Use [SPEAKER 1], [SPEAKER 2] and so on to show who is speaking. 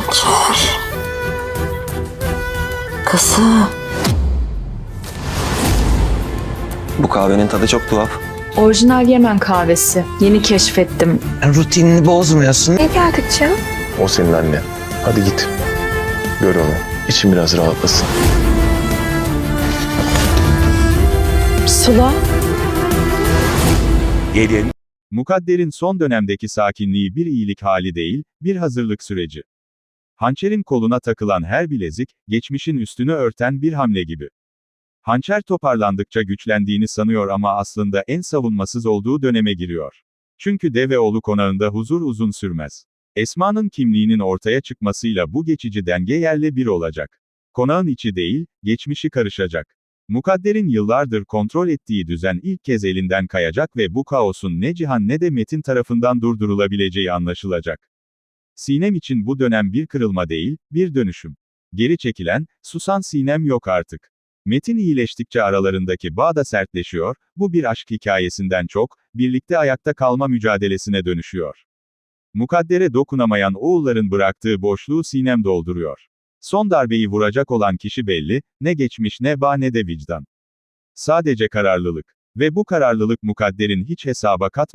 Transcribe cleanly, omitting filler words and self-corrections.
[SPEAKER 1] Hançer. Kızım.
[SPEAKER 2] Bu kahvenin tadı çok tuhaf.
[SPEAKER 3] Orijinal Yemen kahvesi. Yeni keşfettim.
[SPEAKER 4] Rutinini bozmuyorsun.
[SPEAKER 1] Ne geldik canım?
[SPEAKER 5] O senin annen. Hadi git. Gör onu. İçin biraz rahatlasın.
[SPEAKER 3] Sıla.
[SPEAKER 6] Gelin, Mukadder'in son dönemdeki sakinliği bir iyilik hali değil, bir hazırlık süreci. Hançer'in koluna takılan her bilezik, geçmişin üstünü örten bir hamle gibi. Hançer toparlandıkça güçlendiğini sanıyor ama aslında en savunmasız olduğu döneme giriyor. Çünkü Deveoğlu konağında huzur uzun sürmez. Esma'nın kimliğinin ortaya çıkmasıyla bu geçici denge yerle bir olacak. Konağın içi değil, geçmişi karışacak. Mukadder'in yıllardır kontrol ettiği düzen ilk kez elinden kayacak ve bu kaosun ne Cihan ne de Metin tarafından durdurulabileceği anlaşılacak. Sinem için bu dönem bir kırılma değil, bir dönüşüm. Geri çekilen, susan Sinem yok artık. Metin iyileştikçe aralarındaki bağ da sertleşiyor, bu bir aşk hikayesinden çok, birlikte ayakta kalma mücadelesine dönüşüyor. Mukadder'e dokunamayan oğulların bıraktığı boşluğu Sinem dolduruyor. Son darbeyi vuracak olan kişi belli, ne geçmiş ne bağ ne de vicdan. Sadece kararlılık. Ve bu kararlılık Mukadder'in hiç hesaba